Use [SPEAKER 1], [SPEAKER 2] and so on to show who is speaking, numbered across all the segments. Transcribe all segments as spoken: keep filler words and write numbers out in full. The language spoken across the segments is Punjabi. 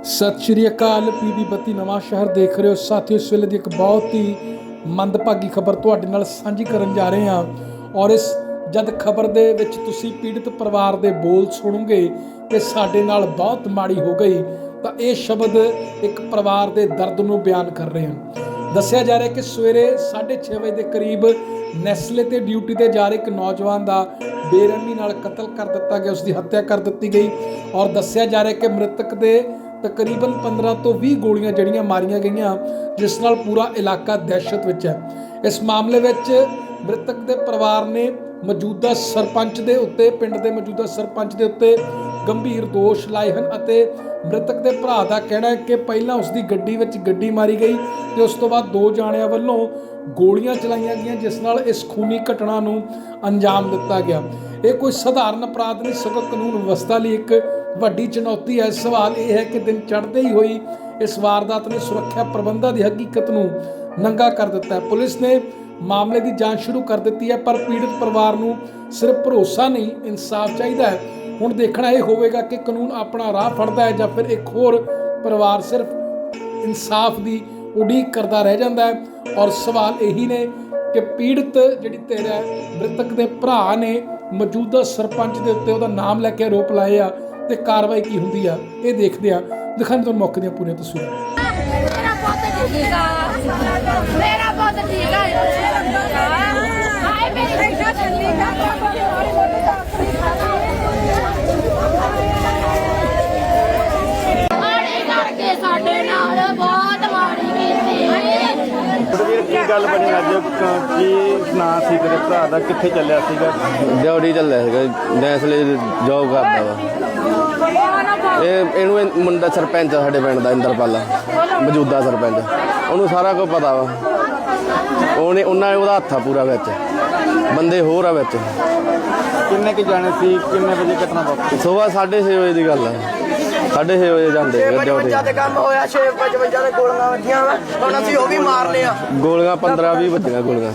[SPEAKER 1] सत श्री अकाल। पीबी बत्ती नवां शहर देख रहे हो साथियों। इस वेले दी एक बहुत ही मंदभागी खबर तुहाडे नाल सांझी करन जा रहे हैं और इस जद खबर दे विच तुसीं पीड़ित परिवार दे बोल सुणोगे कि साडे नाल बहुत माड़ी हो गई, तो ये शब्द एक परिवार दे दर्द नूं बयान कर रहे हैं। दस्सिया जा रहा है कि सवेरे साढ़े छे बजे के करीब नैसले ते ड्यूटी ते जा रहे एक नौजवान का बेरहमी नाल कतल कर दिता गया, उसकी हत्या कर दी गई और दस्सिया जा रहा है कि मृतक दे तकरीबन पंद्रह तो बीस गोलियां जड़ियां मारियां गईयां, जिस नाल पूरा इलाका दहशत विच है। इस मामले विच मृतक दे परिवार ने मौजूदा सरपंच दे उत्ते पिंड दे मौजूदा सरपंच दे उत्ते गंभीर दोष लाए हैं ਅਤੇ मृतक दे भरा का कहना है कि पहला उसकी गड्डी विच गड्डी मारी गई तो उस तो बाद दो जाणियां वल्लों गोलियां चलाईयां गईयां, जिस नाल इस खूनी घटना नूं अंजाम दिता गया। ये कोई सधारण अपराध नहीं, सगों कानून व्यवस्था लई एक वड्डी चुनौती है। सवाल यह है कि दिन चढ़ते ही हुई इस वारदात ने सुरक्षा प्रबंधां की हकीकत नूं नंगा कर दिता है। पुलिस ने मामले की जांच शुरू कर दी है, पर पीड़ित परिवार नूं सिर्फ भरोसा नहीं, इंसाफ चाहिए है। हुण देखना यह होगा कि कानून अपना राह फड़दा है या फिर एक होर परिवार सिर्फ इंसाफ की उड़ीक करता रह जाता है। और सवाल यही ने कि पीड़ित जिहड़ी धिर है मृतक के भरा ने मौजूदा सरपंच के उत्ते उहदा नाम लैके आरोप लाए आ ते कार्रवाई की हुंदी आ, ये देखते हैं। दिखाने तुहानूं मौके दीआं पूरीआं तस्वीरां।
[SPEAKER 2] ਕੀ ਗੱਲ ਬਣੀ ਅੱਜ? ਕੀ ਨਾਂ ਸੀ ਤੇਰੇ ਭਰਾ ਦਾ? ਕਿੱਥੇ ਚੱਲਿਆ ਸੀਗਾ?
[SPEAKER 3] ਡਿਊਟੀ ਚੱਲਿਆ ਸੀਗਾ, ਨੈਸਲੇ ਜੋਬ ਕਰਦਾ ਵਾ। ਇਹ ਇਹਨੂੰ ਇਹ ਮੁੰਡਾ ਸਰਪੰਚ ਆ ਸਾਡੇ ਪਿੰਡ ਦਾ, ਇੰਦਰਪਾਲਾ ਮੌਜੂਦਾ ਸਰਪੰਚ, ਉਹਨੂੰ ਸਾਰਾ ਕੁਝ ਪਤਾ ਵਾ। ਉਹਨੇ ਉਹਨਾਂ ਉਹਦਾ ਹੱਥ ਆ ਪੂਰਾ ਵਿੱਚ, ਬੰਦੇ ਹੋਰ ਆ ਵਿੱਚ।
[SPEAKER 2] ਕਿੰਨੇ ਕੁ ਜਾਣੇ ਸੀ? ਕਿੰਨੇ ਵਜੇ ਘਟਨਾ ਵਾਪਰੀ?
[SPEAKER 3] ਸੁਬਾਹ ਸਾਢੇ ਛੇ ਵਜੇ ਦੀ ਗੱਲ ਆ, ਸਾਢੇ ਛੇ ਵਜੇ ਜਾਂਦੇ ਡਿਊਟੀ।
[SPEAKER 4] ਤੇ ਕੰਮ ਹੋਇਆ ਛੇ ਪਚਵੰਜਾ ਦੇ ਗੋਲੀਆਂ ਵੱਜੀਆਂ ਵਾ, ਹੁਣ ਅਸੀਂ ਉਹ ਵੀ ਮਾਰਨੇ ਆ।
[SPEAKER 3] ਗੋਲੀਆਂ ਪੰਦਰਾਂ ਵੀਹ ਵੱਜੀਆਂ ਗੋਲੀਆਂ।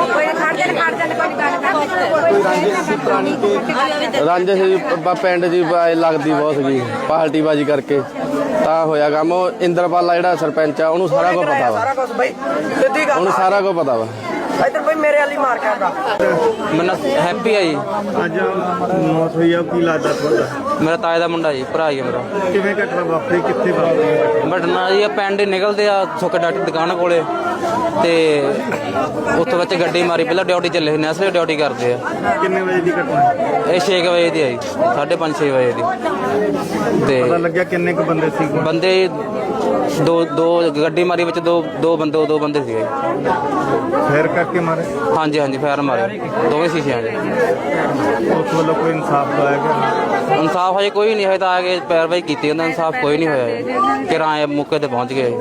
[SPEAKER 3] ਰਾਂਝੇ ਸੀ ਪਿੰਡ ਜੀ ਲੱਗਦੀ ਬਹੁਤ ਸੀਗੀ, ਪਾਰਟੀ ਬਾਜੀ ਕਰਕੇ ਤਾਂ ਹੋਇਆ ਕੰਮ। ਉਹ ਇੰਦਰਪਾਲਾ ਜਿਹੜਾ ਸਰਪੰਚ ਆ ਉਹਨੂੰ ਸਾਰਾ ਕੁਝ ਪਤਾ ਵਾ,
[SPEAKER 4] ਸਾਰਾ ਕੁਝ ਬਈ ਸਿੱਧੀ ਗੱਲ
[SPEAKER 3] ਉਹਨੂੰ ਸਾਰਾ ਕੁਝ ਪਤਾ ਵਾ।
[SPEAKER 4] ਇੱਧਰ ਬਈ ਮੇਰੇ ਵਾਲੀ ਮਾਰ ਕੇ ਆਉਂਦਾ।
[SPEAKER 5] ਮੇਰਾ ਹੈਪੀ ਆ ਜੀ।
[SPEAKER 2] ਅੱਜ ਮੌਤ ਹੋਈ ਆ, ਕੀ ਲੱਗਦਾ ਤੁਹਾਡਾ?
[SPEAKER 5] ਮੇਰਾ ਤਾਏ ਦਾ ਮੁੰਡਾ ਜੀ, ਭਰਾ ਹੀ ਆ ਮੇਰਾ।
[SPEAKER 2] ਕਿਵੇਂ ਘਟਨਾ ਵਾਪਰੀ? ਕਿੱਥੇ ਵਾਪਰੀ?
[SPEAKER 5] ਬਟਨਾ ਜੀ ਪਿੰਡ ਨਿਕਲਦੇ ਆ ਸੁੱਕ ਡਾਕਟਰ ਦੁਕਾਨ ਕੋਲੇ, ਤੇ ਉੱਥੋਂ ਵਿੱਚ ਗੱਡੀ ਮਾਰੀ। ਪਹਿਲਾਂ ਡਿਊਟੀ ਚੱਲੇ ਸੀ, ਨੈਸਲੇ ਡਿਊਟੀ ਕਰਦੇ ਆ।
[SPEAKER 2] ਕਿੰਨੇ ਵਜੇ ਦੀ ਘਟਨਾ?
[SPEAKER 5] ਇਹ ਛੇ ਕੁ ਵਜੇ ਦੀ ਆ ਜੀ, ਸਾਢੇ ਪੰਜ ਛੇ ਵਜੇ ਦੀ।
[SPEAKER 2] ਪਤਾ
[SPEAKER 5] ਤੇ
[SPEAKER 2] ਲੱਗਿਆ ਕਿੰਨੇ ਕੁ ਬੰਦੇ ਸੀ?
[SPEAKER 5] ਬੰਦੇ ਦੋ ਦੋ ਗੱਡੀ ਮਾਰੀ ਵਿੱਚ ਦੋ ਦੋ ਬੰਦੇ ਦੋ ਬੰਦੇ ਸੀਗੇ।
[SPEAKER 2] ਫੇਰ ਕਰਕੇ ਮਾਰੇ?
[SPEAKER 5] ਹਾਂਜੀ ਹਾਂਜੀ ਫਾਇਰ ਮਾਰੇ ਦੋਵੇਂ ਸ਼ੀਸ਼ਿਆਂ 'ਚ।
[SPEAKER 2] ਉਸ ਵੱਲੋਂ ਕੋਈ ਇਨਸਾਫ ਦਵਾਇਆ ਗਿਆ?
[SPEAKER 5] ਇਨਸਾਫ ਹਜੇ ਕੋਈ ਨਹੀਂ, ਹਜੇ ਤਾਂ ਆ ਕੇ ਪੈਰਵਾਈ ਕੀਤੀ ਉਹਨਾਂ। ਇਨਸਾਫ ਕੋਈ ਨਹੀਂ ਹੋਇਆ, ਕਿਰਾਏ ਮੌਕੇ ਤੇ ਪਹੁੰਚ ਗਏ।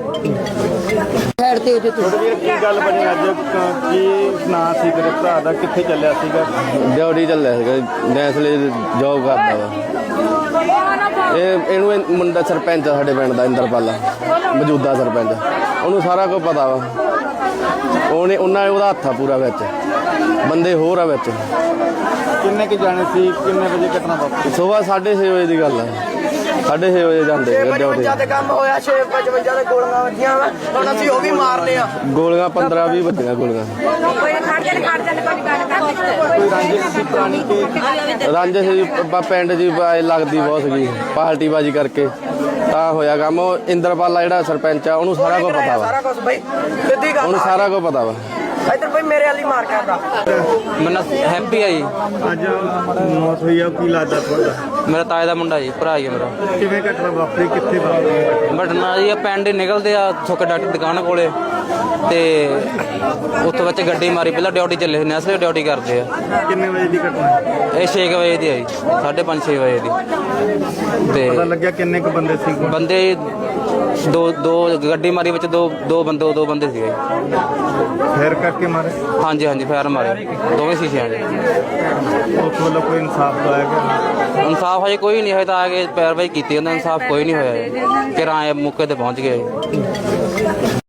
[SPEAKER 2] ਕੀ ਗੱਲ ਬਣੀ ਅੱਜ? ਕੀ ਨਾਂ ਸੀ ਤੇਰੇ ਭਰਾ ਦਾ? ਕਿੱਥੇ ਚੱਲਿਆ ਸੀਗਾ?
[SPEAKER 3] ਡਿਊਟੀ ਚੱਲਿਆ ਸੀਗਾ, ਨੈਸਲੇ ਜੋਬ ਕਰਦਾ ਵਾ। ਇਹ ਇਹਨੂੰ ਇਹ ਮੁੰਡਾ ਸਰਪੰਚ ਆ ਸਾਡੇ ਪਿੰਡ ਦਾ, ਇੰਦਰਪਾਲਾ ਮੌਜੂਦਾ ਸਰਪੰਚ, ਉਹਨੂੰ ਸਾਰਾ ਕੁਝ ਪਤਾ ਵਾ। ਉਹਨੇ ਉਹਨਾਂ ਉਹਦਾ ਹੱਥ ਆ ਪੂਰਾ ਵਿੱਚ, ਬੰਦੇ ਹੋਰ ਆ ਵਿੱਚ।
[SPEAKER 2] ਕਿੰਨੇ ਕੁ ਜਾਣੇ ਸੀ? ਕਿੰਨੇ ਵਜੇ ਘਟਨਾ ਵਾਪਰੀ?
[SPEAKER 3] ਸੁਬਾਹ ਸਾਢੇ ਛੇ ਵਜੇ ਦੀ ਗੱਲ ਆ, ਸਾਢੇ ਛੇ ਵਜੇ ਜਾਂਦੇ ਡਿਊਟੀ।
[SPEAKER 4] ਪਚਵੰਜਾ ਤੇ ਕੰਮ ਹੋਇਆ ਛੇ ਪਚਵੰਜਾ ਦੇ ਗੋਲੀਆਂ ਵੱਜੀਆਂ ਵਾ, ਹੁਣ ਅਸੀਂ ਉਹ ਵੀ ਮਾਰਨੇ ਆ।
[SPEAKER 3] ਗੋਲੀਆਂ ਪੰਦਰਾਂ ਵੀਹ ਵੱਜੀਆਂ ਗੋਲੀਆਂ। ਰਾਂਝੇ ਸੀ ਪਿੰਡ ਜੀ ਲੱਗਦੀ ਬਹੁਤ ਸੀਗੀ, ਪਾਰਟੀ ਬਾਜੀ ਕਰਕੇ ਤਾਂ ਹੋਇਆ ਕੰਮ। ਉਹ ਇੰਦਰਪਾਲਾ ਜਿਹੜਾ ਸਰਪੰਚ ਆ ਉਹਨੂੰ ਸਾਰਾ ਕੁਝ ਪਤਾ ਵਾ,
[SPEAKER 4] ਸਾਰਾ ਕੁਝ ਬਈ ਸਿੱਧੀ ਗੱਲ
[SPEAKER 3] ਉਹਨੂੰ ਸਾਰਾ ਕੁਝ ਪਤਾ ਵਾ।
[SPEAKER 4] ਇੱਧਰ ਬਈ ਮੇਰੇ ਵਾਲੀ ਮਾਰ ਕੇ ਆਉਂਦਾ।
[SPEAKER 5] ਮੇਰਾ ਹੈਪੀ ਆ ਜੀ।
[SPEAKER 2] ਅੱਜ ਮੌਤ ਹੋਈ ਆ, ਕੀ ਲੱਗਦਾ ਤੁਹਾਡਾ?
[SPEAKER 5] ਮੇਰਾ ਤਾਏ ਦਾ ਮੁੰਡਾ ਜੀ, ਭਰਾ ਹੀ ਆ ਮੇਰਾ।
[SPEAKER 2] ਕਿਵੇਂ ਘਟਨਾ ਵਾਪਰੀ? ਕਿੱਥੇ ਵਾਪਰੀ?
[SPEAKER 5] ਬਟਨਾ ਜੀ ਪਿੰਡ ਨਿਕਲਦੇ ਆ ਸੁੱਕ ਡਾਕਟਰ ਦੁਕਾਨ ਕੋਲੇ, ਤੇ ਉੱਥੋਂ ਵਿੱਚ ਗੱਡੀ ਮਾਰੀ। ਪਹਿਲਾਂ ਡਿਊਟੀ ਚੱਲੇ ਸੀ, ਨੈਸਲੇ ਡਿਊਟੀ ਕਰਦੇ ਆ।
[SPEAKER 2] ਕਿੰਨੇ ਵਜੇ ਦੀ ਘਟਨਾ?
[SPEAKER 5] ਇਹ ਛੇ ਕੁ ਵਜੇ ਦੀ ਆ ਜੀ, ਸਾਢੇ ਪੰਜ ਛੇ ਵਜੇ ਦੀ।
[SPEAKER 2] ਪਤਾ
[SPEAKER 5] ਤੇ
[SPEAKER 2] ਲੱਗਿਆ ਕਿੰਨੇ ਕੁ ਬੰਦੇ ਸੀ?
[SPEAKER 5] ਬੰਦੇ ਦੋ ਦੋ ਗੱਡੀ ਮਾਰੀ ਵਿੱਚ ਦੋ ਦੋ ਬੰਦੇ ਦੋ ਬੰਦੇ ਸੀਗੇ।
[SPEAKER 2] ਫੇਰ ਕਰਕੇ ਮਾਰੇ?
[SPEAKER 5] ਹਾਂਜੀ ਹਾਂਜੀ ਫਾਇਰ ਮਾਰੇ ਦੋਵੇਂ ਸ਼ੀਸ਼ਿਆਂ 'ਚ।
[SPEAKER 2] ਉਸ ਵੱਲੋਂ ਕੋਈ ਇਨਸਾਫ ਦਵਾਇਆ ਗਿਆ?
[SPEAKER 5] ਇਨਸਾਫ ਹਜੇ ਕੋਈ ਨਹੀਂ, ਹਜੇ ਤਾਂ ਆ ਕੇ ਪੈਰਵਾਈ ਕੀਤੀ ਉਹਨਾਂ। ਇਨਸਾਫ ਕੋਈ ਨਹੀਂ ਹੋਇਆ, ਕਿਰਾਏ ਮੌਕੇ ਤੇ ਪਹੁੰਚ ਗਏ।